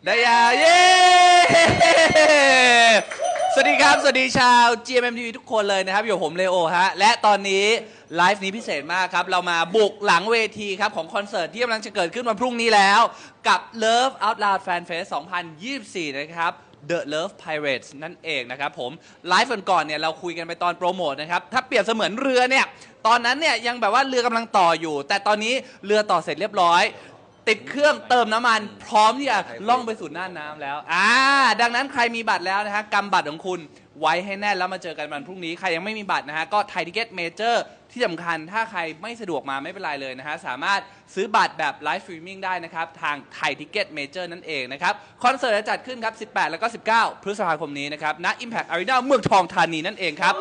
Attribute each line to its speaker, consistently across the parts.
Speaker 1: ได้ยาวเย้สวัสดีครับสวัสดีชาว GMMTV ทุกคนเลยนะครับอยู่ผมเลโอฮะและตอนนี้ไลฟ์นี้พิเศษมากครับเรามาบุกหลังเวทีครับของคอนเสิร์ตที่กำลังจะเกิดขึ้นวันพรุ่งนี้แล้วกับ Love Out Loud Fan Fest 2024 นะครับ The Love Pirates นั่นเองนะครับผมไลฟ์ก่อนเนี่ยเราคุยกันไปตอนโปรโมทนะครับถ้าเปรียบเสมือนเรือเนี่ยตอนนั้นเนี่ยยังแบบว่าเรือกำลังต่ออยู่แต่ตอนนี้เรือต่อเสร็จเรียบร้อยติดเครื่องเติมน้ำมันพร้อมที่จะล่องไปสู่หน้าน้ำแล้วดังนั้นใครมีบัตรแล้วนะฮะกำบัตรของคุณไว้ให้แน่นแล้วมาเจอกันวันพรุ่งนี้ใครยังไม่มีบัตรนะฮะก็ไทยทิเก็ตเมเจอร์ที่สำคัญถ้าใครไม่สะดวกมาไม่เป็นไรเลยนะฮะสามารถซื้อบัตรแบบไลฟ์สตรีมมิ่งได้นะครับทางไทยทิเก็ตเมเจอร์นั่นเองนะครับคอนเสิร์ตจะจัดขึ้นครับ18แล้วก็19พฤษภาคมนี้นะครับณ Impact Arena เมืองทองธานีนั่นเองครับ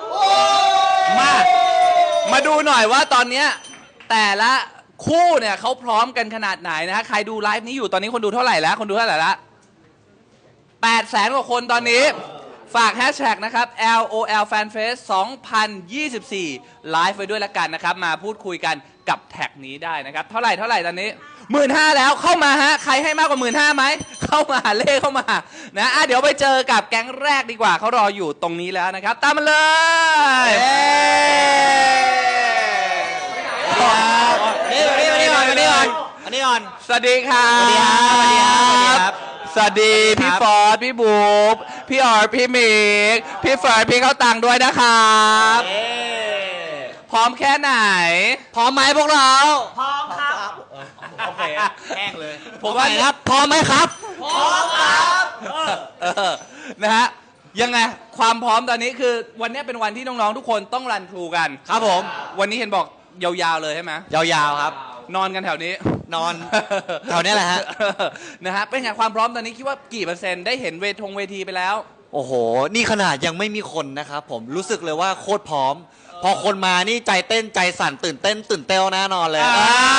Speaker 1: มาดูหน่อยว่าตอนนี้แต่ละคู่เนี่ยเขาพร้อมกันขนาดไหนนะฮะใครดูไลฟ์นี้อยู่ตอนนี้คนดูเท่าไหร่แล้วคนดูเท่าไหร่ละ800,000 กว่าคนตอนนี้ฝากแฮชแท็กนะครับ LOL FanFest 2024 ไลฟ์ไว้ด้วยละกันนะครับมาพูดคุยกันกับแท็กนี้ได้นะครับเท่าไหร่ตอนนี้ 15,000 แล้วเข้ามาฮะใครให้มากกว่า 15,000 ไหมเข้ามาเลขเข้ามานะเดี๋ยวไปเจอกับแก๊งแรกดีกว่าเขารออยู่ตรงนี้แล้วนะครับตามมาเลย
Speaker 2: อันนี้ก่อน
Speaker 1: สวัสดีครับสวัสดีพี่ฟอร์ดพี่บุ๊บพี่ออร์พี่มิกพี่เฟิร์นพี่เข้าตังด้วยนะครับพร้อมแค่ไหน
Speaker 2: พร้อมไหมพวกเราพร้อมครับโอเคแห้งเลย
Speaker 1: ผมว่าครับ
Speaker 2: พร้อมไหมครับ
Speaker 1: พร้อมครับนะฮะยังไงความพร้อมตอนนี้คือวันนี้เป็นวันที่น้องๆทุกคนต้องรันทรูกัน
Speaker 2: ครับผม
Speaker 1: วันนี้เห็นบอกยาวๆเลยใช่ไหม
Speaker 2: ยาวๆครับ
Speaker 1: นอนกันแถวนี้
Speaker 2: นอนแถวนี้แหละฮะ
Speaker 1: นะฮะเป็นไงความพร้อมตอนนี้คิดว่ากี่เปอร์เซ็นต์ได้เห็นเวทีไปแล้ว
Speaker 2: โอ้โหนี่ขนาดยังไม่มีคนนะครับผมรู้สึกเลยว่าโคตรพร้อมพอคนมานี่ใจเต้นใจสั่นตื่นเต้นแน่นอนเลย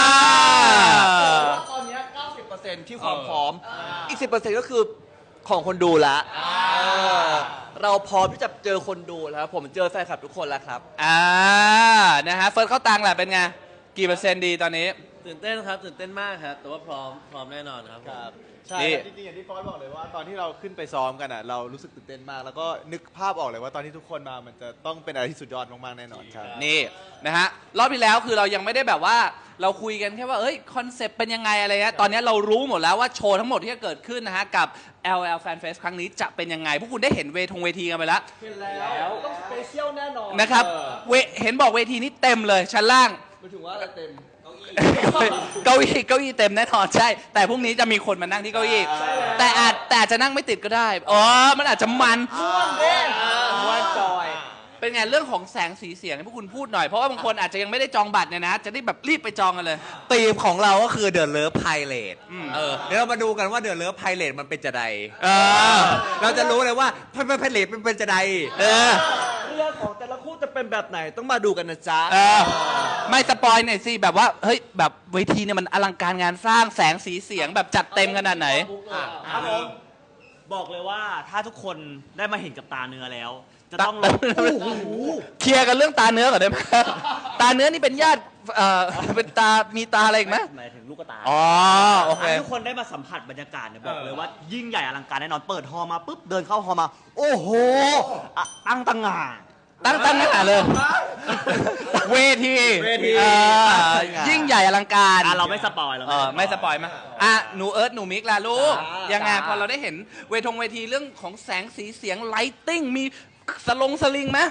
Speaker 3: ตอนนี้ 90% ที่ความพร้อมอีก 10% ก็คือของคนดูละเราพร้อมที่จะเจอคนดูแล้วผมเจอแฟนคลับทุกคนแล้วครับ
Speaker 1: นะฮะเฟิร์สเข้าตังแหละเป็นไงกี่เปอร์เซ็นต์ดีตอนนี้
Speaker 4: ตื่นเต้นครับตื่นเต้นมากครับแต่ว่าพร้อมแน่นอนครับ
Speaker 3: ใช่จริงๆอย่างที่ฟอสบอกเลยว่าตอนที่เราขึ้นไปซ้อมกันอ่ะเรารู้สึกตื่นเต้นมากแล้วก็นึกภาพออกเลยว่าตอนที่ทุกคนมามันจะต้องเป็นอะไรที่สุดยอดมากๆแน่นอนครับ
Speaker 1: นี่นะฮะรอบที่แล้วคือเรายังไม่ได้แบบว่าเราคุยกันแค่ว่าคอนเซปต์เป็นยังไงอะไรเงี้ยตอนนี้เรารู้หมดแล้วว่าโชว์ทั้งหมดที่จะเกิดขึ้นนะฮะกับ LOL Fan Fest ครั้งนี้จะเป็นยังไงพวกคุณได้เห็นเวทีกันไปแล้ว
Speaker 3: เห็นแล้วต้องสเปเชียลแน่นอน
Speaker 1: นะครับเห็นบอกเวทีนี้เต็มเลยชั้นล่าง
Speaker 3: หมายถึงว่าอะไรเต็ม
Speaker 1: เก้าอี้เต็มแน่นอนใช่แต่พรุ่งนี้จะมีคนมานั่งที่เก้าอี้แต่อาจจะนั่งไม่ติดก็ได้มันอาจจะมัน
Speaker 3: ม้วนจอย
Speaker 1: เป็นไงเรื่องของแสงสีเสียงให้พวกคุณพูดหน่อยเพราะว่าบางคนอาจจะยังไม่ได้จองบัตรเนี่ยนะจะได้แบบรีบไปจองกันเลย
Speaker 2: ธีมของเราก็คือ The Love Pirate เดี๋ยวเรามาดูกันว่า The Love Pirate มันเป็นจะใดเราจะรู้เลยว่าPirate เป็นจะใด
Speaker 3: เรื่องของแต่ละคู่จะเป็นแบบไหนต้องมาดูกันนะจ๊ะ
Speaker 1: ไม่สปอยหน่อยสิแบบว่าเฮ้ยแบบเวทีเนี่ยมันอลังการงานสร้างแสงสีเสียงแบบจัดเต็มขนาดไหน
Speaker 4: ครับผมบอกเลยว่าถ้าทุกคนได้มาเห็นกับตาเนื้อแล้วจะต้อง
Speaker 1: เคลียร์กันเรื่องตาเนื้อก่อนได้ไหมตาเนื้อนี่เป็นญาติเป็นมีตาอะไรอีกไหม
Speaker 4: หมายถึงลูกตา
Speaker 1: โอเค
Speaker 4: ทุกคนได้มาสัมผัสบรรยากาศเนี่ยบอกเลยว่ายิ่งใหญ่อลังการแน่นอนเปิดฮอลมาปุ๊บเดินเข้าฮอลมาโอ้โหตั้งง
Speaker 1: านเลยเวทียิ่งใหญ่อลังการ
Speaker 4: เราไม่สปอย
Speaker 1: ไม่สปอยมั้ยหนูเอิร์ธหนูมิกล่ะลูกยังไงพอเราได้เห็นเวทีเรื่องของแสงสีเสียงไลติ้งมีสลิงไหม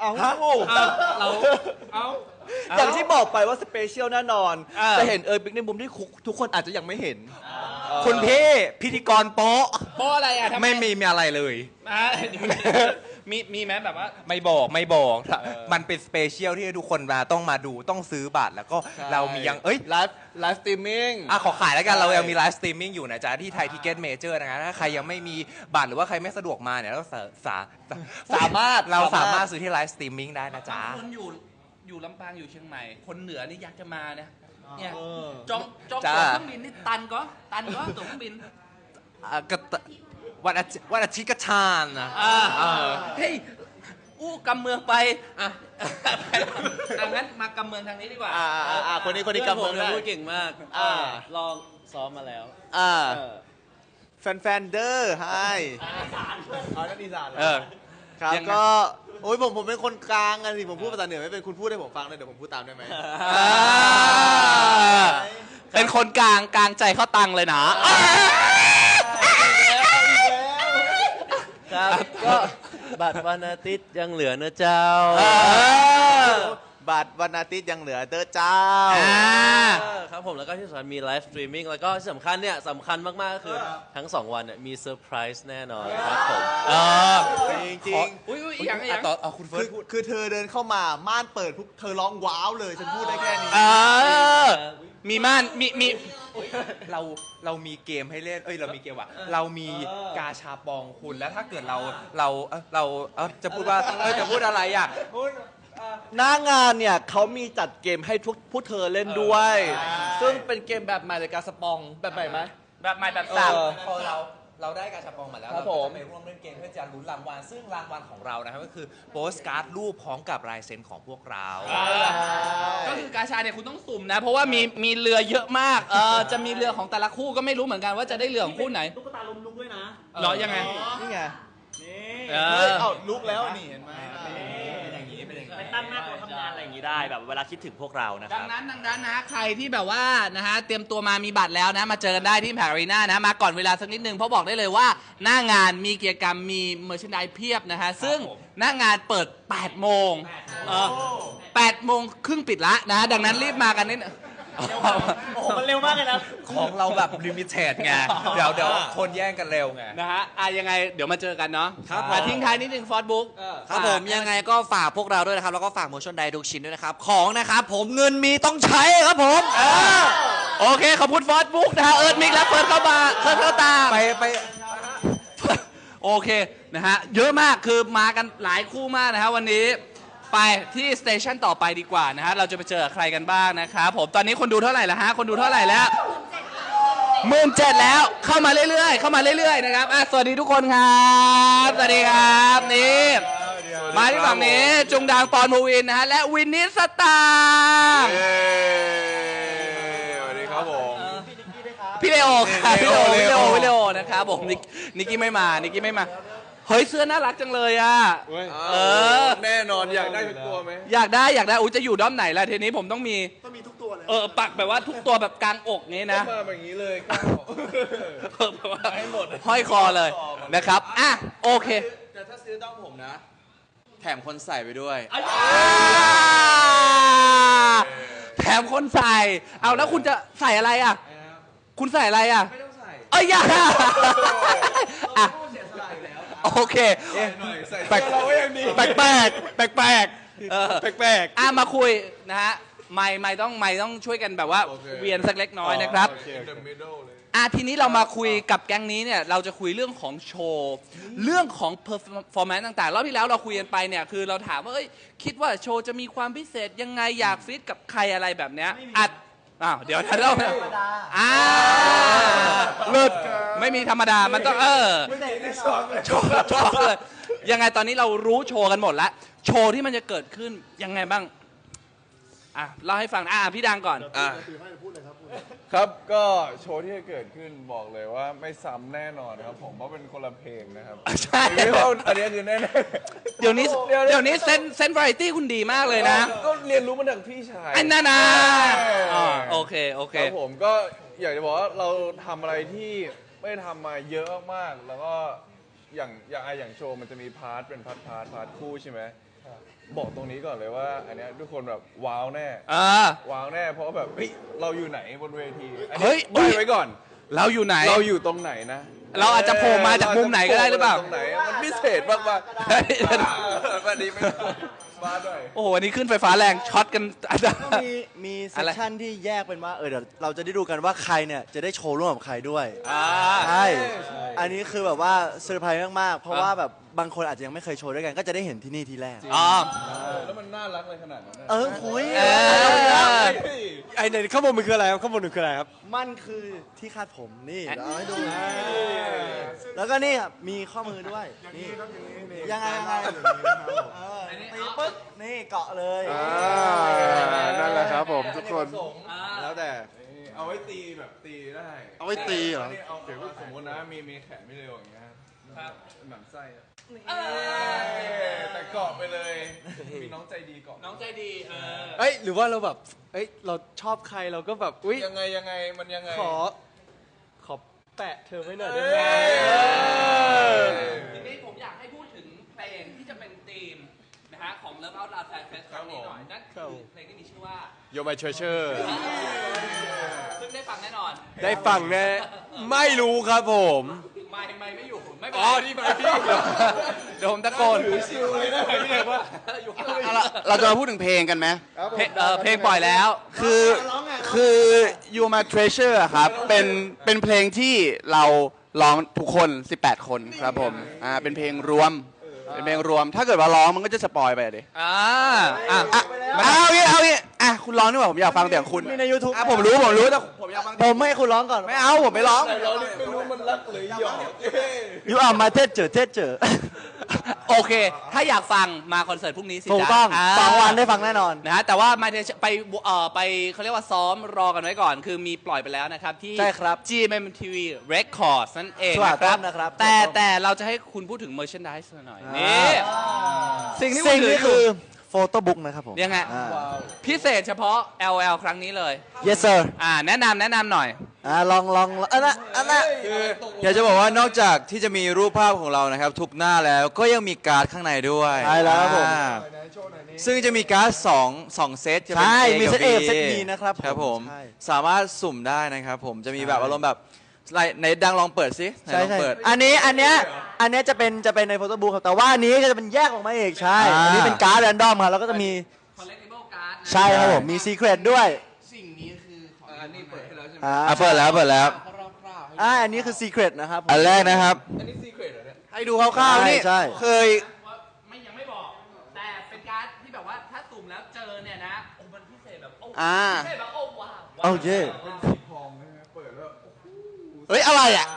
Speaker 3: อย่างที่บอกไปว่าสเปเชียลแน่นอนจะเห็นบิ๊กในมุมที่ทุกคนอาจจะยังไม่เห็น
Speaker 2: คุณพี่พิธีกรโป๊ะ
Speaker 1: อะไรอ่ะ
Speaker 2: ไม่มีอะไรเลย
Speaker 1: มีไหมแบบว่า
Speaker 2: ไม่บอกมันเป็นสเปเชียลที่ทุกคนมาต้องมาดูต้องซื้อบัตรแล้วก็เรามียัง
Speaker 3: ไลฟ์สตรีมมิ่ง
Speaker 2: ขอขายแล้วกันเรายังมีไลฟ์สตรีมมิ่งอยู่นะจ๊ะที่ไทยทิเก็ตเมเจอร์นะถ้าใครยังไม่มีบัตรหรือว่าใครไม่สะดวกมาเนี่ยเราสามารถซื้อที่ไลฟ์สตรีมมิ่งได้นะจ๊ะ
Speaker 1: คนอยู่ลำปางอยู่เชียงใหม่คนเหนือนี่อยากจะมาเนี่ยจองตั๋วเครื่องบินนี่ตันก็ตั๋วเครื่องบิน
Speaker 2: วันอาทิตย์ก็ชาญนะ
Speaker 1: เฮ้ยกำเมืองไปงั้นมากำเมืองทางนี้ดีกว่า
Speaker 3: คนนี้กำเมือง
Speaker 4: พูดเก่งมากลองซ้อมมาแล้ว
Speaker 5: แฟนๆเดอร์ไฮอ๋อนั่นอีสานเหรอ
Speaker 1: เออ
Speaker 5: ครับ
Speaker 1: ยังไง
Speaker 5: ก็โอ้ยผมเป็นคนกลางอะสิผมพูดภาษาเหนือไม่เป็นคุณพูดให้ผมฟังเลยเดี๋ยวผมพูดตามได้ไหม
Speaker 1: เป็นคนกลางใจเข้าตังเลยนะ
Speaker 6: ครับก็บัตรวันอาทิตย์ยังเหลือนะเจ้า
Speaker 5: บัตรวันอาทิตย์ยังเหลือเด้อเจ้า
Speaker 6: ครับผมแล้วก็ที่สำคัญมีไลฟ์สตรีมมิ่งแล้วก็ที่สำคัญเนี่ยสำคัญมากๆก็คือทั้ง 2 วันเนี่ยมีเซอร์ไพรส์แน่นอนครับผม
Speaker 5: จริง
Speaker 1: อุ้ยอย่าง
Speaker 2: ต่อเอาคุณ
Speaker 5: ๆ
Speaker 2: เฟิร์สพูด
Speaker 5: คือเธอเดินเข้ามาม่านเปิดปุ๊บเธอร้องว้าวเลยฉันพูดได้แค่นี้
Speaker 1: มีม่านมี
Speaker 2: เรามีเกมให้เล่นเรามีเกมว่ะเรามีกาชาปองคุณแล้วถ้าเกิดเราจะพูดว่าจะพูดอะไรอ่ะ
Speaker 3: หน้างานเนี่ยเขามีจัดเกมให้ทุกผู้เธอเล่นด้วย ซึ่งเป็นเกมแบบใหม่เลยการสปองแบบใหม่ไหม
Speaker 1: แบบใหม่แบบ
Speaker 3: เอ
Speaker 1: สับ
Speaker 3: อ
Speaker 2: พอเราได้กาชาปองมาแล้ว
Speaker 3: ครั
Speaker 2: เรา
Speaker 3: บผม
Speaker 2: จะไปร่วมเล่นเกมเพื่อจะลุ้นรางวัลซึ่งรางวัลของเรานะครับก็คือโปสการ์ดรูปพร้อมกับลายเซ็นของพวกเรา
Speaker 1: ก็คือกาชาเนี่ยคุณต้องสุ่มนะ เพราะว่ามีเรือเยอะมากจะมีเรือของแต่ละคู่ก็ไม่รู้เหมือนกันว่าจะได้เรือของคู่ไหน
Speaker 4: ตุ๊กตาลมลุกด้วยนะ
Speaker 1: เหรอยังไง
Speaker 5: นี่ไง
Speaker 4: นี่
Speaker 1: เอ
Speaker 5: เฮ้ย
Speaker 1: อ
Speaker 5: เอ้าลุกแล้วนี่เห็นไหม
Speaker 4: ไปตั้งหน้าโต๊ะทำงานอะไรอย่างนี้ได้แบบเวลาคิดถึงพวกเรานะค
Speaker 1: ดั
Speaker 4: รั
Speaker 1: ง
Speaker 4: บ
Speaker 1: นั้นนะใครที่แบบว่านะฮะเตรียมตัวมามีบัตรแล้วนะมาเจอกันได้ที่แพรรีน่านะมาก่อนเวลาสักนิดนึงเพราะบอกได้เลยว่าหน้างานมีกิจกรรมมีเมอร์ช n นด s เพียบนะฮะซึ่งหน้างานเปิด 8 โมง8 โมงครึ่งปิดละนะดังนั้นรีบมากันนิดนึง
Speaker 4: โอ้โหมันเร็วมากเลยนะ
Speaker 2: ของเราแบบลิมิเต็ดไงเดี๋ยวคนแย่งกันเร็วไง
Speaker 1: นะฮะยังไงเดี๋ยวมาเจอกันเนาะทิ้งท้ายนิดนึงฟอสบุ๊ก
Speaker 7: ครับผมยังไงก็ฝากพวกเราด้วยนะครับ แล้วก็ฝากโมชั่นไดทุกชิ้นด้วยนะครับ ของนะครับผมเงินมีต้องใช้ครับผม
Speaker 1: โอเคขอบคุณฟอสบุ๊กนะฮะเอิร์ธมิกและเฟิร์สเข้ามาเฟิร์สเข้าตาม
Speaker 2: ไป
Speaker 1: โอเคนะฮะเยอะมากคือมากันหลายคู่มากนะฮะวันนี้ไปที่สเตชันต่อไปดีกว่านะฮะเราจะไปเจอใครกันบ้างนะครับผมตอนนี้คนดูเท่าไหร่แล้วฮะคนดูเท่าไหร่แล้ว17,000แล้วเข้ามาเรื่อยๆนะครับสวัสดีทุกคนครับสวัสดีครับนี่มาที่ฝั่งนี้จุงดางปอนมูวินนะฮะและวินนิสตางค์
Speaker 5: สวัสดีครับผม
Speaker 1: พี่เลโอครับพี่เลโอ
Speaker 5: เลโอ
Speaker 1: พี่เลโอนะครับผมนิกกี้ไม่มาเฮ้ยเสื้อน่ารักจังเลยอ่ะ
Speaker 5: แน่นอนอยากได้ทุกตัวไหม
Speaker 1: อยากได้อุ้ยจะอยู่ด้อมไหนล่ะทีนี้ผมต้องมีทุกตัวเลยปักแบบว่าทุกตัวแบบกลางอกงี้นะ
Speaker 5: มาแบบนี้เลยก้าว
Speaker 1: แบบว่าห้อยคอเลยนะครับโอเค
Speaker 7: แต่ถ้าซื้อต้องผมนะ แถมคนใส่ไปด้วย
Speaker 1: แถมคนใส่เอาแล้วคุณจะใส่อะไรอ่ะคุณใส่อะไรอ่ะไม่ต้องใส่อย่าโอเคแปลกมาคุยนะฮะไม่ต้องช่วยกันแบบว่าเวียนสักเล็กน้อยนะครับทีนี้เรามาคุยกับแก๊งนี้เนี่ยเราจะคุยเรื่องของโชว์เรื่องของ performance ต่างๆรอบที่แล้วเราคุยกันไปเนี่ยคือเราถามว่าคิดว่าโชว์จะมีความพิเศษยังไงอยากฟิตกับใครอะไรแบบเนี้ยเดี๋ยวเราหลุดไม่มีธรรมดามันต้องโชว์เลยยังไงตอนนี้เรารู้โชว์กันหมดแล้วโชว์ที่มันจะเกิดขึ้นยังไงบ้างเล่าให้ฟังพี่ดังก่อน
Speaker 8: ครับก็โชว์ที่จะเกิดขึ้นบอกเลยว่าไม่ซ้ำแน่นอนครับผมเพราะเป็นคนละเพลงนะครับ
Speaker 1: ใช่
Speaker 8: ไม่ว่าอันนี้คือแน่ๆ
Speaker 1: เดี๋ยวนี้เซนวาไรตี้คุณดีมากเลยนะ
Speaker 8: ก็เรียนรู้มาจากพี่ชาย
Speaker 1: อันนั้นนะโอเค
Speaker 8: ครับผมก็อยากจะบอกว่าเราทำอะไรที่ไม่ได้ทำมาเยอะมากๆแล้วก็อย่างโชว์มันจะมีพาร์ทเป็นพาร์ทคู่ใช่ไหมบอกตรงนี้ก่อนเลยว่าอันเนี้ยทุกคนแบบว้าวแน่ว้าวแน่เพราะแบบเฮ้ยเราอยู่ไหนบนเวทีอันนี้ใบ้ไว้ก่อน
Speaker 1: เราอยู่ไหน
Speaker 8: เราอยู่ตรงไหนนะ
Speaker 1: เราอาจจะโผล่มาจากมุมไหนก็ได้หรือเปล่า
Speaker 8: ตรงไหนมันพิเศษมากๆวันนี้ไม่บ้าด้วย
Speaker 1: โอ้โหวันนี้ขึ้นไฟฟ้าแรงช็อตกัน
Speaker 7: มีเซสชั่นที่แยกเป็นว่าเดี๋ยวเราจะได้ดูกันว่าใครเนี่ยจะได้โชว์ร่วมกับใครด้วยใช่อันนี้คือแบบว่าเซอร์ไพรส์มากๆเพราะว่าแบบบางคนอาจจะยังไม่เคยโชว์ด้วยกันก็จะได้เห็นที่นี่ทีแรก
Speaker 8: แล้วมันน่ารักเลยขนาดนั้นนะ
Speaker 7: คุย
Speaker 6: ไอ้เนี่ยข้างบนมันคืออะไรครับข้างบนมันคืออะไรครับ
Speaker 7: มันคือที่คาดผมนี่เดี๋ยวเอาให้ดูแล้วก็นี่ครับมีข้อมือด้วยนี่ยังไงตีปึ๊กนี่เกาะเลย
Speaker 8: นั่นแหละครับผมทุกคนแล้วแต่
Speaker 5: เอา
Speaker 8: เอาไว้ตีแบบตีได้
Speaker 5: เอาไว้ตีเหรอ
Speaker 8: นี่เอาสมมตินะมีแขนไม่เร็วอย่างเงี้ยครับหมั่นไส้อะแต่เกาะไปเลย มีน้องใจดีเกาะ
Speaker 1: น้องใจดี
Speaker 5: เอ้ยหรือว่าเราแบบเอ้ยเราชอบใครเราก็แบบอุ้ย
Speaker 8: ยังไงมันยังไง
Speaker 5: ขอแปะเธอไว้หน่อยได้ไหม
Speaker 1: ทีนี้ผมอยากให้พูดถึงเพลงที่จะเป็นธีมนะฮะของ Love Out Loud Fan Fest ครั้งนี้หน่อยนั่นคือเพลงที่มีชื่อว่า
Speaker 5: You're my treasure
Speaker 1: ซึ่งได้ฟังแน่นอน
Speaker 5: ได้ฟังแน่ไม่รู้ครับผม
Speaker 1: ไม่อยู่ไม่เป็น
Speaker 5: อ๋
Speaker 1: ไร
Speaker 5: อที่มาพี่
Speaker 1: เดี๋ยวผมตะโกน
Speaker 9: เราจะมาพูดถึงเพลงกันไหม
Speaker 1: เพลงปล่อยแล้ว
Speaker 9: คือ You My Treasure อะครับ เป็นเพลงที่เราร้องทุกคน 18 คนครับผม เป็นเพลงรวม เป็นเพลงรวม ถ้าเกิดว่าร้องมันก็จะสปอยไปดิ เอางี้คุณร้องดีกว่าผมอยากฟังเสียงคุณ
Speaker 7: มีใน YouTube
Speaker 9: ผมรู้แต่ผมอยากฟัง
Speaker 7: ผมไม่ให้คุณร้องก่อน
Speaker 9: ไม่เอาผมไม่ร้อง
Speaker 8: เราไม่รู้มันรักหรือหยอก
Speaker 7: You are my treasure
Speaker 1: โอเค ถ้าอยากฟังมาคอนเสิร์ตพรุ่งนี้สิ
Speaker 7: ถูกต้อง
Speaker 1: จ๊ะ
Speaker 7: 2 วันได้ฟังแน่นอน
Speaker 1: นะฮะแต่ว่ามาไปเขาเรียกว่าซ้อมรอกันไว้ก่อน คือมีปล่อยไปแล้วนะครับ ที่
Speaker 7: ใช่ครับ
Speaker 1: GMMTV Records นั่นเอง
Speaker 7: ถูก
Speaker 1: นะค
Speaker 7: ต้
Speaker 1: รั
Speaker 7: อบ งนะครับ
Speaker 1: แต่เราจะให้คุณพูดถึง merchandise หน่อยนี่สิ่งที่คุ
Speaker 7: สิ่
Speaker 1: ณ
Speaker 7: ง
Speaker 1: ถือ
Speaker 7: นี้
Speaker 1: อ
Speaker 7: คื
Speaker 1: ยู่
Speaker 7: อโฟโต้บุ๊กนะครับผม
Speaker 1: ยังไง พิเศษเฉพาะ LL ครั้งนี้เลย
Speaker 7: Yes sir
Speaker 1: แนะนำหน่อย
Speaker 7: ลองอันนั้น
Speaker 2: คืออยากจะบอกว่านอกจากที่จะมีรูปภาพของเรานะครับทุกหน้าแล้วก็ยังมีการ์ดข้างในด้วย
Speaker 7: ใช่แล้วครับผม
Speaker 2: ซึ่งจะมีการ์ด2เซตจะเป็น
Speaker 7: ใช่
Speaker 2: A
Speaker 7: มี
Speaker 2: กับ
Speaker 7: เซต A
Speaker 2: B
Speaker 7: เซต B นะครับ
Speaker 2: ครับผม
Speaker 7: ใช่
Speaker 2: สามารถสุ่มได้นะครับผมจะมีแบบอารมณ์แบบในดังลองเปิดสิไหน
Speaker 7: ใช่
Speaker 2: ลอง
Speaker 7: ใช่
Speaker 2: เปิด
Speaker 7: อันเนี้ยจะเป็นในโฟโต้บุ๊กครับแต่ว่าอันนี้ก็จะเป็นแยกออกมาเองใช่ อันนี้เป็นการ์ดแรนดอมครับแล้วก็จะมี
Speaker 1: collectible card
Speaker 7: ใช่ครับผมมีซีเครตด้วย
Speaker 9: สิ่งนี้คือของ
Speaker 8: อันนี้เปิดให้แล้วใช่ไหม
Speaker 2: เปิดแล้ว
Speaker 7: อันนี้คือซีเครตนะครับผม
Speaker 2: อันแรกนะครับ
Speaker 8: อันนี้ซีเครตเหรอเนี่ย
Speaker 9: ให้ดูคร่าวๆนี่
Speaker 7: ใช่
Speaker 9: เคย
Speaker 1: ยังไม่บอก แต่เป็นการ์ดที่แบบว่าถ้าสุ่มแล้วเจอเนี่ยนะโอ้มันพิเศษแบบโอ้
Speaker 9: อ่า
Speaker 1: พิเศษแบบโอ้ว้าว
Speaker 7: โอเค
Speaker 9: เฮ้ยอะไรอ่ะ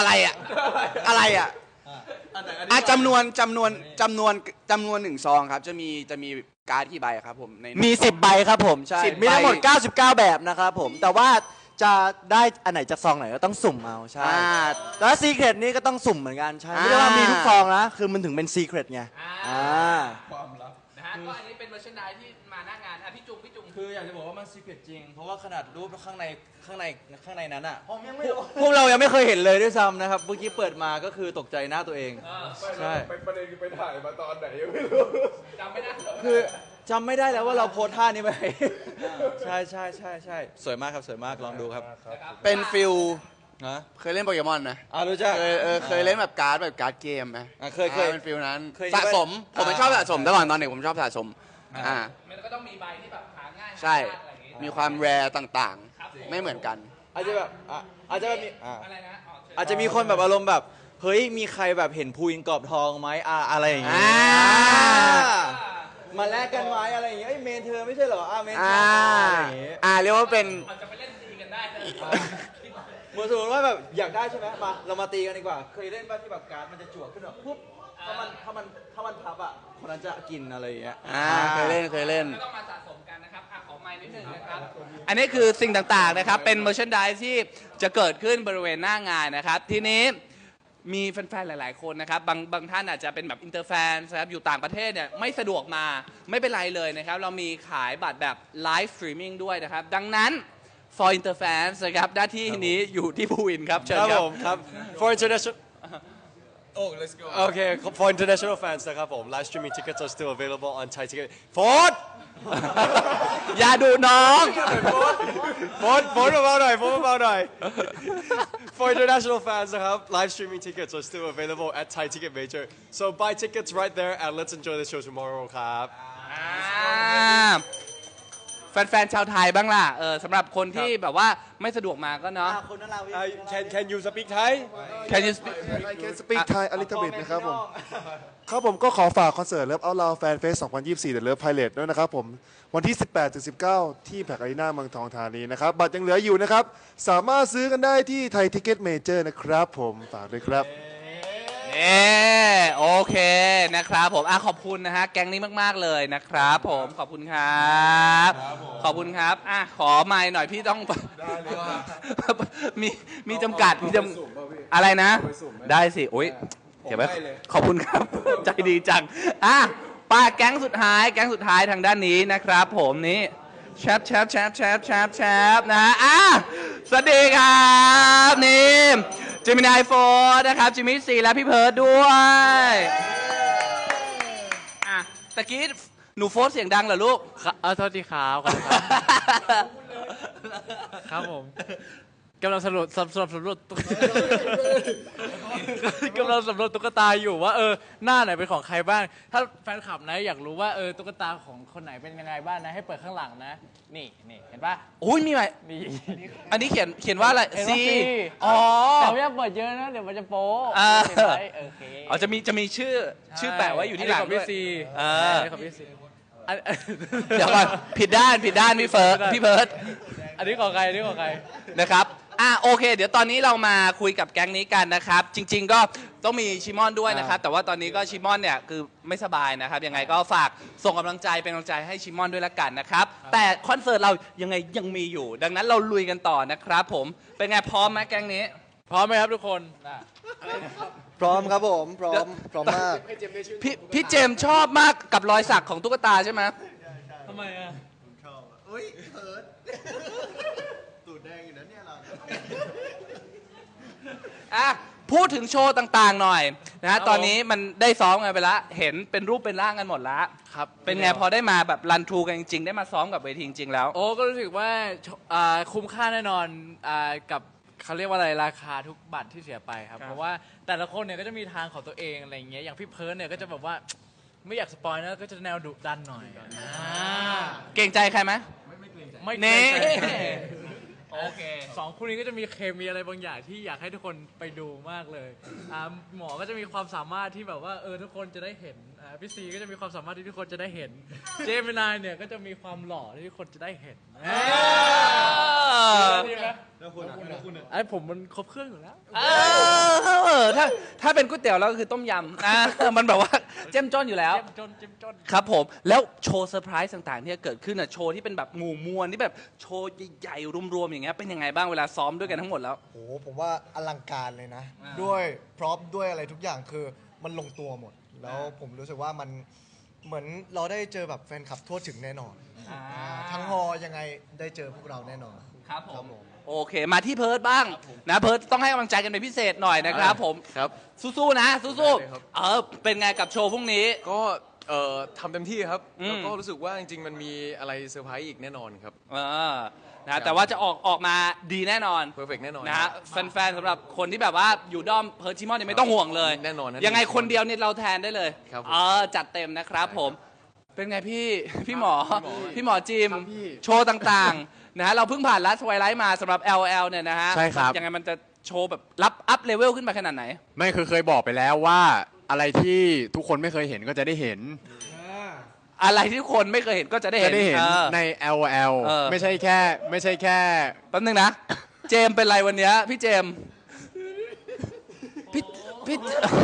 Speaker 9: จำนวนหนึ่งซองครับจะมีการ์ดกี่ใบครับผมใน
Speaker 7: มี 10 ใบครับผมใช่
Speaker 9: 10
Speaker 7: มีทั้งหมด
Speaker 9: ใบ
Speaker 7: 99 แบบนะครับผมแต่ว่าจะได้อันไหนจากซองไหนก็ต้องสุ่มเอาใช่แล้วซีเครตนี่ก็ต้องสุ่มเหมือนกันใช่ไม่ได้ว่ามีทุกซองนะคือมันถึงเป็นซีเครตไง
Speaker 8: ความลับ
Speaker 1: นะฮะก็อันนี้เป็น merchandise ที่มาหน้างานพี่จุง
Speaker 2: คืออยากจะบอกว่ามันซีเครตจริง เพราะว่าขนาดรูปข้างในนั้นอ่ะ
Speaker 7: ผมยังไม่
Speaker 2: พวกเรายังไม่เคยเห็นเลยด้วยซ้ำนะครับเมื่อกี้เปิดมาก็คือตกใจหน้าตัวเอง ใช่
Speaker 8: ไปประเด็นคือไปถ่ายมาตอนไหนยังไม่รู้
Speaker 1: จำไม่ได้
Speaker 2: คือจำไม่ได้แล้วว่าเราโพสท่านี้ไป ใช่สวยมากครับสวยมากลองดูครับ
Speaker 9: เป็นฟิล
Speaker 2: นะ
Speaker 9: เคยเล่นโปเกมอนไหม
Speaker 2: รู้จัก
Speaker 9: เคยเล่นแบบการ์ดเกมไหม
Speaker 2: เคย
Speaker 9: เป็นฟิลนั้น
Speaker 2: เคย
Speaker 9: สะสมผมเป็นชอบสะสมตลอดตอนเด็กผมชอบสะสมอ่า
Speaker 1: มันก็ต้องมีใบที่แบบหาง่าย
Speaker 9: ใช่
Speaker 1: หายากอะไรอย่างงี้
Speaker 9: มีความแรร์ต่าง
Speaker 1: ครับผม
Speaker 9: ๆ ไม่เหมือนกัน
Speaker 2: อาจจะแบบอาจจะแบบมี
Speaker 1: อะไรนะอ๋อเชิญ
Speaker 2: อาจจะมีคนแบบอารมณ์แบบเฮ้ยมีใครแบบเห็นพูอินกรอบทองไหมอะไรอย่างเงี้ยมาแลกกันไหมอะไรอย่างเงี้ยเมนเธอไม่ใช่เหรอเมนเธออะไรอย่างเงี้ย
Speaker 9: เรียกว่าเป็น
Speaker 1: อาจจะไปเล่นตีกันได้นะ
Speaker 2: เหมือนสมมติว่าแบบอยากได้ใช่ไหมมาเรามาตีกันดีกว่า เคยเล่นป่ะที่แบบการ์ดมันจะจั่วขึ้นแบบปุ๊บถ้ามันพับอ่ะคนนั้นจะกินอะไรอย่างเงี้ย
Speaker 9: เคยเล่น
Speaker 1: ก็ต้องมาสะสมกันนะครับขอไมค์นิดนึงนะครับ อันนี้คือสิ่งต่างๆนะครับ เป็น merchandise ที่จะเกิดขึ้นบริเวณหน้างานนะครับ ทีนี้มีแฟนๆ หลายๆ คนนะครับ บางท่านอาจจะเป็นแบบอินเตอร์แฟนนะครับ อยู่ต่างประเทศเนี่ยไม่สะดวกมา ไม่เป็นไรเลยนะครับ เรามีขายบัตรแบบไลฟ์สตรีมมิ่งด้วยนะครับ ดังนั้น for interfans นะครับ หน้าที่นี้อยู่ที่ภูวินครับ เชิญ
Speaker 5: ครับ
Speaker 1: ครั
Speaker 5: ผ
Speaker 1: บ
Speaker 5: มครับ for international
Speaker 8: Oh let's go
Speaker 5: okay for international fans นะครับผม live streaming tickets are still available on Thai Ticket Ford
Speaker 1: อย่าดูน้อง
Speaker 5: Ford เบาๆหน่อย For international fans นะครับ live streaming tickets are still available at Thai Ticket Major so buy tickets right there and let's enjoy the show tomorrow ครับ
Speaker 1: แฟนๆ ชาวไทยบ้างล่ะสำหรับคนที่แบบว่าไม่สะดวกมาก็เนาะ
Speaker 7: คนนั้นเรา
Speaker 5: Can you speak Thai
Speaker 1: Can you speak
Speaker 10: I can speak Thai a little bit นะครับผม ครับผมก็ขอฝากคอนเสิร์ต Love Out Loud Fan Fest 2024 The Love Pilot ด้วยนะครับผม วันที่ 18-19 ที่แพคอารีนาเมืองทองธานีนะครับ บัตรยังเหลืออยู่นะครับ สามารถซื้อกันได้ที่ไทยทิกเก็ตเมเจอร์นะครับผม ฝากด้วยครับ
Speaker 1: โอเคนะครับผมขอบคุณนะฮะแก๊งนี้มากๆเลยนะครับผมขอบคุณครับขอบคุณครับขอไมค์หน่อยพี่ต้องมีจำกัดอะไรนะ ได้สิโอ้ยเก็บไว้ขอบคุณครับ ใจดีจังป้าแก๊งสุดท้ายทางด้านนี้นะครับผมนี่แชปนะฮะสวัสดีครับนี่จิมินายโฟร์นะครับจิมมี่ซีและพี่เพิร์ดด้วยตะกี้หนูโฟร์เสียงดังเหรอลูก
Speaker 11: โทษทีครับครับผมกำลังสำรวจกำลังสำรวจตุ๊กตาอยู่ว่าหน้าไหนเป็นของใครบ้างถ้าแฟนคลับนะอยากรู้ว่าตุ๊กตาของคนไหนเป็นยังไงบ้างนะให้เปิดข้างหลังนะนี่เห็นปะ
Speaker 1: อุ้ยมีไหม
Speaker 11: นี่
Speaker 1: อันนี้เขียนว่าอะไรซี
Speaker 11: แต่ไม่อยากเปิดเยอะนะเดี๋ยวมันจะโป๊โอเค
Speaker 1: จะมีชื่อแปะไว้อยู่ที่หลังด้วย
Speaker 11: ของพี่ซี
Speaker 1: เดี๋ยวก่อนผิดด้านพี่เพิร์ด
Speaker 11: อันนี้ของใคร
Speaker 1: นะครับโอเคเดี๋ยวตอนนี้เรามาคุยกับแก๊งนี้กันนะครับจริงๆก็ต้องมีชิมอนด้วยนะครับแต่ว่าตอนนี้ก็ชิมอนเนี่ยคือไม่สบายนะครับยังไงก็ฝากส่งกำลังใจเป็นกำลังใจให้ชิมอนด้วยละกันนะครับแต่คอนเสิร์ตเรายังมีอยู่ดังนั้นเราลุยกันต่อนะครับผมเป็นไงพร้อมไหมแก๊งนี้
Speaker 11: พร้อมไหมครับทุกคน
Speaker 7: พร้อมครับผมพร้อมมาก
Speaker 1: พี่เจมชอบมากกับรอยสักของตุ๊กตาใช่ไหม
Speaker 11: ทำไม
Speaker 7: ชอบเฮ้ยเพิร์ดตูดแดงอยู่นะเนี่ย
Speaker 1: เราพูดถึงโชว์ต่างๆหน่อยนะตอนนี้มันได้ซ้อมกันไปแล้วเห็นเป็นรูปเป็นร่างกันหมดแล้ว
Speaker 11: ครับ
Speaker 1: เป็นไงพอได้มาแบบรันทรูกันจริงๆได้มาซ้อมกับเวทีจริงๆแล้ว
Speaker 11: ก็รู้สึกว่าคุ้มค่าแน่นอนกับเขาเรียกว่าอะไรราคาทุกบัตรที่เสียไปครับเพราะว่าแต่ละคนเนี่ยก็จะมีทางของตัวเองอะไรอย่างเงี้ยอย่างพี่เพิร์ดเนี่ยก็จะแบบว่าไม่อยากสปอยนะก็จะแนวดุดันหน่อย
Speaker 1: เก่งใจใครไหม
Speaker 11: ไม่เกรงใจไม่เกรงใจโอเค2คู่นี้ก็จะมีเคมีอะไรบางอย่างที่อยากให้ทุกคนไปดูมากเลยหมอก็จะมีความสามารถที่แบบว่าทุกคนจะได้เห็นพี่ซีก็จะมีความสามารถที่ทุกคนจะได้เห็นเจมินายเนี่ยก็จะมีความหล่อที่ทุกคนจะได้เห็นดีไหมแล้วคุณผมมันครบเครื่องอยู่แล้ว
Speaker 1: ถ้าเป็นก๋วยเตี๋ยวแล้วก็คือต้มยำมันแบบว่าเจ้มจ้นอยู่แล้ว
Speaker 11: เจ้มจน
Speaker 1: ครับผมแล้วโชว์เซอร์ไพรส์ต่างๆที่จะเกิดขึ้นโชว์ที่เป็นแบบหมู่มวลที่แบบโชว์ใหญ่ๆรวมๆอย่างเงี้ยเป็นยังไงบ้างเวลาซ้อมด้วยกันทั้งหมดแล้ว
Speaker 12: โอ้ผมว่าอลังการเลยนะด้วยพร็อพด้วยอะไรทุกอย่างคือมันลงตัวหมดแล้วผมรู้สึกว่ามันเหมือนเราได้เจอแบบแฟนคลับทั่วถึงแน่นอนทั้งฮอยังไงได้เจอพวกเราแน่นอน
Speaker 1: ครับผมโอเคมาที่เพิร์ดบ้างนะเพิร์ดต้องให้กำลังใจกันเป็นพิเศษหน่อยนะครับผม
Speaker 8: ครับ
Speaker 1: สู้ๆนะสู้ๆเป็นไงกับโชว์พรุ่งนี้
Speaker 8: ก็ทำเต็มที่ครับแล้วก็รู้สึกว่าจริงๆมันมีอะไรเซอร์ไพรส์อีกแน่นอนครับ
Speaker 1: นะแต่ว่าจะออกมาดีแน่นอน
Speaker 8: เพอร์เฟกต์แน่นอน
Speaker 1: นะฮะแฟนๆสำหรับคนที่แบบว่าอยู่ด้อมเพิร์ดชิมอนเนี่ยไม่ต้องห่วงเลย
Speaker 8: แน่นอน
Speaker 1: ยังไงคนเดียวเนี่ยเราแทนได้เลยจัดเต็มนะครับผมเป็นไงพี่หมอจิมโชว์ต่างๆนะฮะเราเพิ่งผ่านลัสไวไลท์มาสำหรับ LL เนี่ยนะฮะ
Speaker 9: ใช่ครับ
Speaker 1: ยังไงมันจะโชว์แบบรับอัพเลเวลขึ้นมาขนาดไหน
Speaker 9: ไม่เคยบอกไปแล้วว่าอะไรที่ทุกคนไม่เคยเห็นก็จะได้เห็น
Speaker 1: อะไรที่คนไม่เคยเห็นก็จะได้เห็น
Speaker 9: ใน LOL ไม่ใช่แค่
Speaker 1: แป๊บนึงนะเจมเป็นไรวันนี้พี่เจมพี่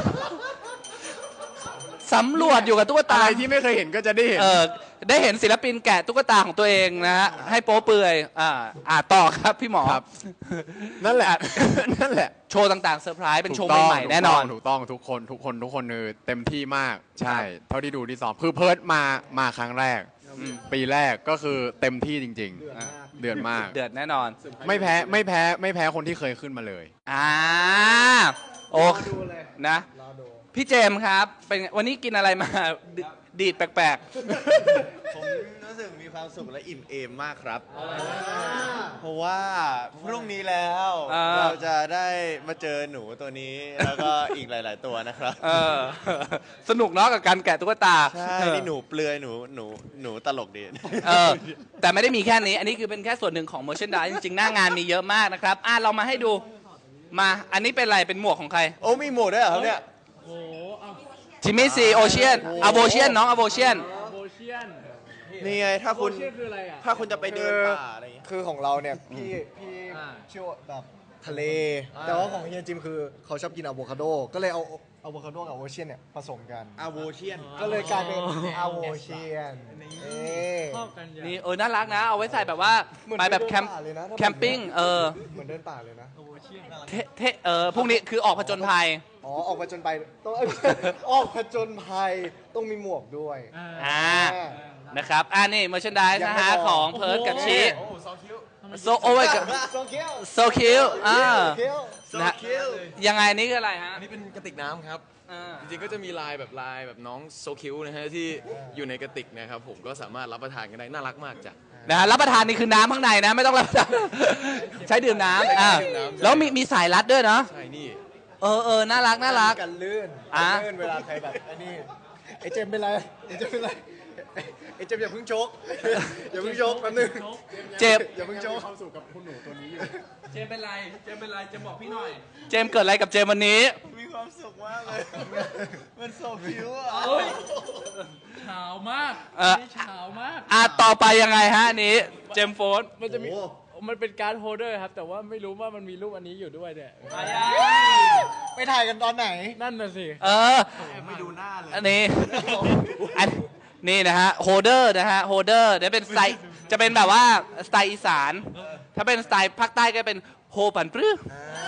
Speaker 1: สำรวจอยู่กับตุ๊กตา
Speaker 9: อะไรที่ไม่เคยเห็นก็จะได้เห็น
Speaker 1: ได้เห็นศิลปินแกะตุ๊กตาของตัวเองนะฮะให้โป๊เปื่อยต่อครับพี่หมอ
Speaker 9: นั่นแหละ
Speaker 1: โชว์ต่างๆเซอร์ไพรส์เป็นโชว์ใหม่ๆแน่นอน
Speaker 9: ถูกต้องทุกคนเต็มที่มากใช่เท่าที่ดูที่ซ้อมคือเพิร์ดมาครั้งแรกปีแรกก็คือเต็มที่จริงๆเดือดมาก
Speaker 1: เดือดแน่นอน
Speaker 9: ไม่แพ้คนที่เคยขึ้นมาเลย
Speaker 1: โอเคนะพี่เจมครับเป็นวันนี้กินอะไรมาดีดแปลก
Speaker 7: ๆผมรู้สึกมีความสุขและอิ่มเอมมากครับเพราะว่าพรุ่งนี้แล้วเราจะได้มาเจอหนูตัวนี้แล้วก็อีกหลายๆตัวนะครับ
Speaker 1: สนุกเนาะกับการแกะตุ๊กตา
Speaker 7: ใช่นี่หนูเปลือยหนูตลกดี
Speaker 1: แต่ไม่ได้มีแค่นี้อันนี้คือเป็นแค่ส่วนหนึ่งของ merchandise จริงๆหน้างานมีเยอะมากนะครับเรามาให้ดูมาอันนี้เป็นอะไรเป็นหมวกของใคร
Speaker 7: โอ้มีหมวกด้วยเหรอครับเนี่ย
Speaker 1: จิมมี่ซีโอเชียนอโบเชียนน้องอโบเชียน
Speaker 7: นี่ไงถ้าคุณจะไปเดินป่าอะไร
Speaker 12: คือของเราเนี่ยพี่ชื่อแบบทะเล แต่ว่าของเฮียจิมคือเขาชอบกินอะโวคาโด ก็เลยเอาอะโวคาโดกับโอเชียนเนี่ยผสมกัน
Speaker 7: อาโวเชียน
Speaker 12: ก็เลยกลายเป็นอะโวเชียน
Speaker 11: ชอบกันอย่าง
Speaker 1: นี่น่ารักนะ เอาไว้ใส่แบบว่าไปแบบแคมป์
Speaker 12: เลยนะ
Speaker 1: แคมปิ้ง
Speaker 12: เหมือนเดินป่าเลยนะ
Speaker 1: พรุ่งนี้คือออกผจญภัย
Speaker 12: อ๋อ ออกผจญภัยต้อง ออกผจญภัยต้องมีหมวกด้วย
Speaker 1: นะครับนี่เมอร์ชันดายนะฮะ
Speaker 12: ยังไม่พอ
Speaker 1: ของเพิร์ดกับชิ
Speaker 8: โอ้โซคิว
Speaker 1: โซโอ้ยกับ
Speaker 12: โซเคียว
Speaker 1: โซคิว
Speaker 12: โซเคียว
Speaker 1: นะยังไงนี่คืออะไรฮะ
Speaker 13: อันนี้เป็นกระติกน้ำครับ จริงๆก็จะมีลายแบบน้องโซคิวนะฮะที่อยู่ในกระติกนะครับผมก็สามารถรับประทานกันได้น่ารักมากจ้ะ
Speaker 1: นะฮะรับประทานนี่คือน้ำข้างในนะ ไม่ต้องรับประทาน ใช้ดื่มน้ำแล้วมีสายรัดด้วยเนาะ
Speaker 13: ใช่นี่
Speaker 1: น่ารัก
Speaker 12: กันลื่นเวลาใครแบบไอ้นี่ไอ้เจมเป็นไรไอ้เจมเป็นไรไอ้เจมอย่าเพิ่งโชกอย่าเพิ่งโชกแป๊บนึง
Speaker 1: เจ็บ
Speaker 12: อย่าเพิ่งโชก
Speaker 10: ความสุขกับคุณหนูตัวนี้อยู่
Speaker 1: เจมเป็นไรเจมบอกพี่หน่อย เจมเกิดอะไรกับเจมวันนี้
Speaker 7: มีความสุขมากเลย มันโซคิวอ่ะ
Speaker 11: เฉามากนี่เฉามาก
Speaker 1: ต่อไปยังไงฮะอันนี้เจมโฟน
Speaker 11: มันจะมีมันเป็นการ์ดโฮลเดอร์ครับ แต่ว่าไม่รู้ว่ามันมีรูปอันนี้อยู่ด้วยเนี่ย
Speaker 12: ไปถ่ายกันตอนไหน
Speaker 11: นั่นน่ะสิ
Speaker 7: ไม่ดูหน้าเลย
Speaker 1: อันนี้นี่นะฮะโฮเดอร์นะฮะโฮเดอร์จะเป็นสไตล์จะเป็นแบบว่าสไตล์อีสาน ถ้าเป็นสไตล์ภาคใต้ก็เป็นโฮปันปรื้อ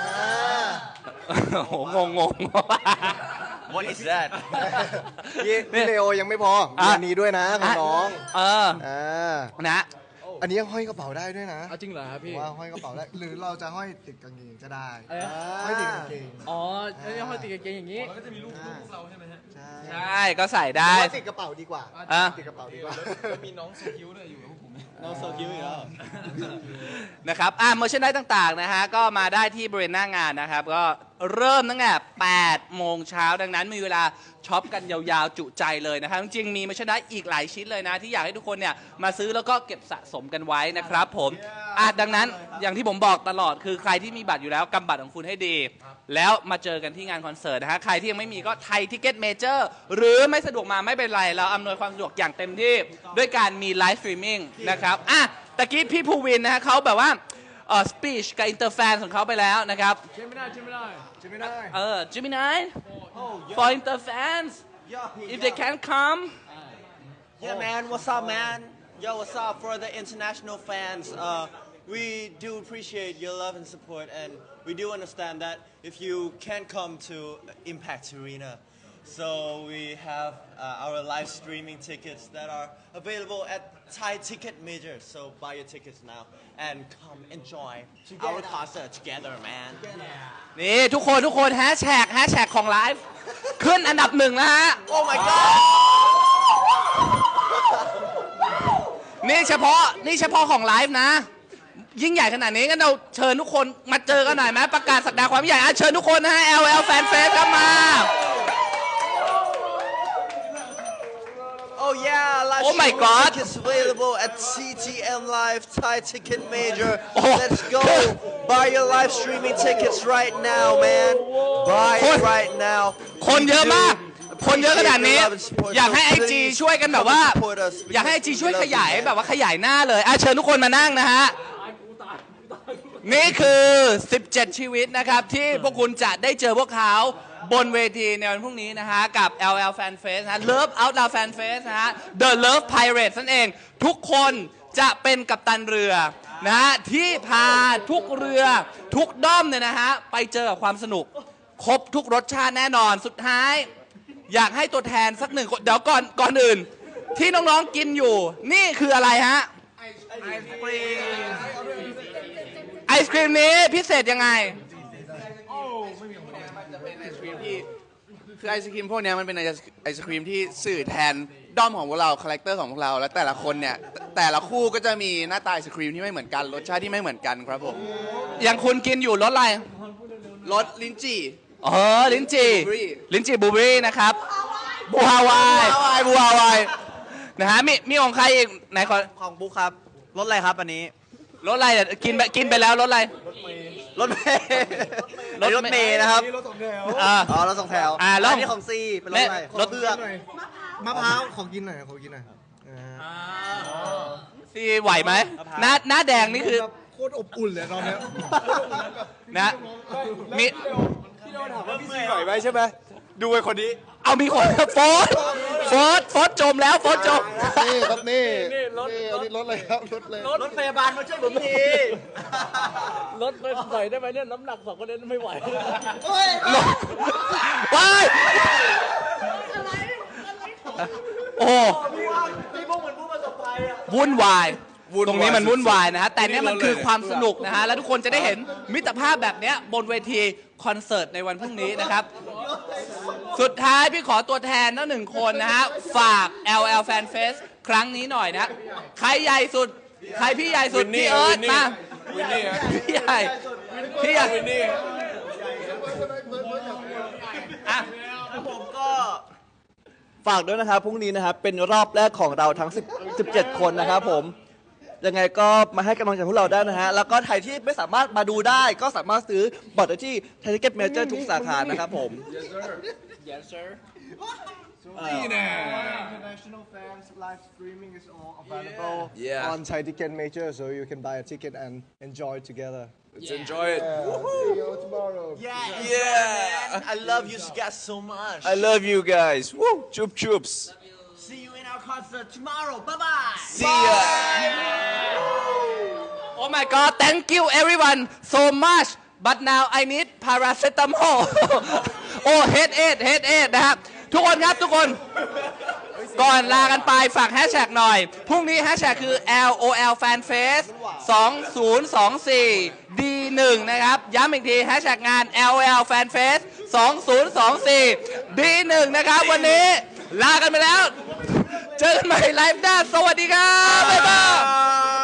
Speaker 1: โหงง
Speaker 3: What is that
Speaker 12: พี่เลโอยังไม่พอมีอันนี้ด้วยนะของน้อง
Speaker 1: นะ
Speaker 12: อันนี้ห้อยกระเป๋าได้ด้วยนะ
Speaker 11: เอาจริงเหรอครับพี่
Speaker 12: ว่าห้อยกระเป๋าได้หรือเราจะห้อยติดกางเกงก็ได้ห้อยติดกางเกง
Speaker 11: อ๋อแล้วห้อยติดกางเกงอย่างนี้
Speaker 13: แล้วก็จะมีรูปเราใช่ไหมฮะ
Speaker 1: ใช่ก็ใส่ได้
Speaker 12: ติดกระเป๋าดีกว่าติดกระเป๋าดีกว่า
Speaker 13: แล้วมีน้องโซคิวด้วยอยู่กับพวกผม
Speaker 7: น้องโซคิวอีกแล้ว
Speaker 1: นะครับเมอร์ชันได้ต่างๆนะฮะก็มาได้ที่บริเวณหน้างานนะครับก็เริ่มตั้งแต่8 โมงเช้าดังนั้นมีเวลาช็อปกันยาวๆจุใจเลยนะครับจริงๆมีเมอร์ชันได้อีกหลายชิ้นเลยนะที่อยากให้ทุกคนเนี่ยมาซื้อแล้วก็เก็บสะสมกันไว้นะครับผมดังนั้นอย่างที่ผมบอกตลอดคือใครที่มีบัตรอยู่แล้วกำบัตรของคุณให้ดี แล้วมาเจอกันที่งานคอนเสิร์ตนะฮะใครที่ยังไม่มีก็ไทยทิเก็ตเมเจอร์หรือไม่สะดวกมาไม่เป็นไรเราอำนวยความสะดวกอย่างเต็มที่ด้วยการมีไลฟ์สตรีมมิ่งนะครับตะกี้พี่ภูวินนะฮะเขาแบบว่าสปีชกับอินเตอร์แฟนของเขาไปแล้วนะครับ Gemini for inter fans if they can come
Speaker 7: Yeah man what's up man Yo what's up for the international fans we do appreciate your love and support and we do understand that if you can't come to Impact Arena so we have our live streaming tickets that are available at Thai Ticket Major so buy your tickets now and come enjoy our concert together man
Speaker 1: นี่ทุกคนแฮชแท็กของไลฟ์ขึ้นอันดับ1นะฮะ
Speaker 7: Oh my god
Speaker 1: นี่เฉพาะของไลฟ์นะ ยิ่งใหญ่ขนาดนี้งั้นเราเชิญทุกคนมาเจอกันหน่อยไหมประกาศศักดาความใหญ่เชิญทุกคนนะฮะ LL Fan Fest ครับมา
Speaker 7: Oh yeah, live
Speaker 1: Oh my
Speaker 7: streaming
Speaker 1: God.
Speaker 7: tickets available at CTM Live Thai Ticket Major. Let's go. Buy your live streaming tickets right now, man. Buy it right now.
Speaker 1: คนเยอะมาก คนเยอะขนาดนี้ อยากให้ IG ช่วยกันแบบว่า อยากให้ IG ช่วยขยายแบบว่าขยายหน้าเลยเชิญทุกคนมานั่งนะฮะ นี่คือ 17 ชีวิตนะครับ ที่พวกคุณจะได้เจอพวกเขาบนเวทีในวันพรุ่งนี้นะฮะ กับ LL Fan Fest นะ Love Out Loud Fan Fest นะฮะ The Love Pirates นั่นเอง ทุกคนจะเป็นกัปตันเรือนะฮะ ที่พาทุกเรือทุกด้อมเนี่ยนะฮะ ไปเจอกับความสนุก ครบทุกรสชาติแน่นอนสุดท้าย อยากให้ตัวแทนสักหนึ่งคนเดี๋ยวก่อนอื่น ที่น้องๆกินอยู่ นี่คืออะไรฮะ ไอศครีมนี้พิเศษยังไง
Speaker 9: คือไอศครีมพวกเนี้ยมันเป็นไอศครีมที่สื่อแทนด้อมของพวกเราคาแรคเตอร์ของพวกเราและแต่ละคนเนี่ยแต่ละคู่ก็จะมีหน้าตาไอศครีมที่ไม่เหมือนกันรสชาติที่ไม่เหมือนกันครับผม
Speaker 1: อย่างคุณกินอยู่รสอะไร
Speaker 9: รสลิ้นจี่
Speaker 1: ลิ้นจี่บลูเบอรี่นะครับบูฮาวายนะฮะมีของใครอีกไหนขอ
Speaker 7: ของบุ๊คครับ รถอะไรครับอันนี้
Speaker 1: รสอะไรกินไปแล้วรสอะไร
Speaker 7: รถเมย์รถเมย์นะครับ
Speaker 12: รถสองแถว
Speaker 7: อ๋อรถสองแถว
Speaker 1: แล้ว
Speaker 7: อันนี้ของซีเป็นรถอะไร
Speaker 1: รถ
Speaker 7: เผือก
Speaker 12: มะพร้าวขอกินหน่อย
Speaker 1: ซีไหวไหมหน้าแดงนี่คือ
Speaker 12: โคตรอบอุ่นเลยตอนเนี้ย
Speaker 1: นะมี
Speaker 10: พี่โดนถามว่าพี่ซีหน่อยไหมใช่ไหมดูไอ้คนนี้
Speaker 1: เอามีคนโฟสจมแล้วโฟสจม
Speaker 10: นี่ครับนี่อันนี้รถเลยครับรถเลย
Speaker 4: รถพยาบาลมาช่วยผมที
Speaker 11: รถไปใส่ได้ไหมเนี่ยน้ำหนัก2คนนี้ไม่ไหว
Speaker 1: ว้ายโอ้
Speaker 4: พี่พวกเหมือนผู้ประสบภัยอ่ะ
Speaker 1: วุ่นวาย ตรงนี้มันวุ่นวายนะฮะ แต่เนี่ยมันคือความสนุกนะฮะ แล้วทุกคนจะได้เห็นมิตรภาพแบบเนี้ยบนเวทีคอนเสิร์ตในวันพรุ่งนี้นะครับ สุดท้ายพี่ขอตัวแทนทั้งหนึ่งคนนะฮะ ฝาก LL Fan Fest ครั้งนี้หน่อยนะ ใครใหญ่สุด ใครพี่ใหญ่สุด พี่เอิร์ธมา
Speaker 8: วินนี่ฮะ
Speaker 1: พี่ใหญ่พี่ใหญ่
Speaker 8: วินนี่
Speaker 1: อ่ะ
Speaker 3: ผมก็ฝากด้วยนะครับพรุ่งนี้นะครับเป็นรอบแรกของเราทั้ง17 คนนะครับผมยังไงก็มาให้กำลังใจพวกเราได้นะฮะแล้วก็ใครที่ไม่สามารถมาดูได้ก็สามารถซื้อบัตรได้ที่ไทยทิเก็ตเมเจอร์ทุกสาขานะครับผม
Speaker 12: International fans live streaming is all available
Speaker 8: Yeah.
Speaker 12: on Thai Ticket Major, so you can buy a ticket and enjoy together.
Speaker 8: Let's enjoy it.
Speaker 12: See you tomorrow.
Speaker 8: Yeah.
Speaker 4: I love you guys so much
Speaker 8: I love you guys. Woo. Chup chups.
Speaker 4: See you in our concert tomorrow bye bye
Speaker 8: See ya.
Speaker 1: Oh my god thank you everyone so much but now I need paracetamol โอ้ headache นะครับทุกคนครับทุกคนก่อนลากันไปฝากแฮชแท็กหน่อย พรุ่งนี้แฮชแท็กคือ LOL Fan Fest 2024 D1 นะครับ ย้ำอีกทีแฮชแท็กงาน LOL Fan Fest 2024 D1 นะครับ วันนี้ลากันไปแล้ว เจอกันใหม่ไลฟ์หน้าสวัสดีครับ บ๊ายบาย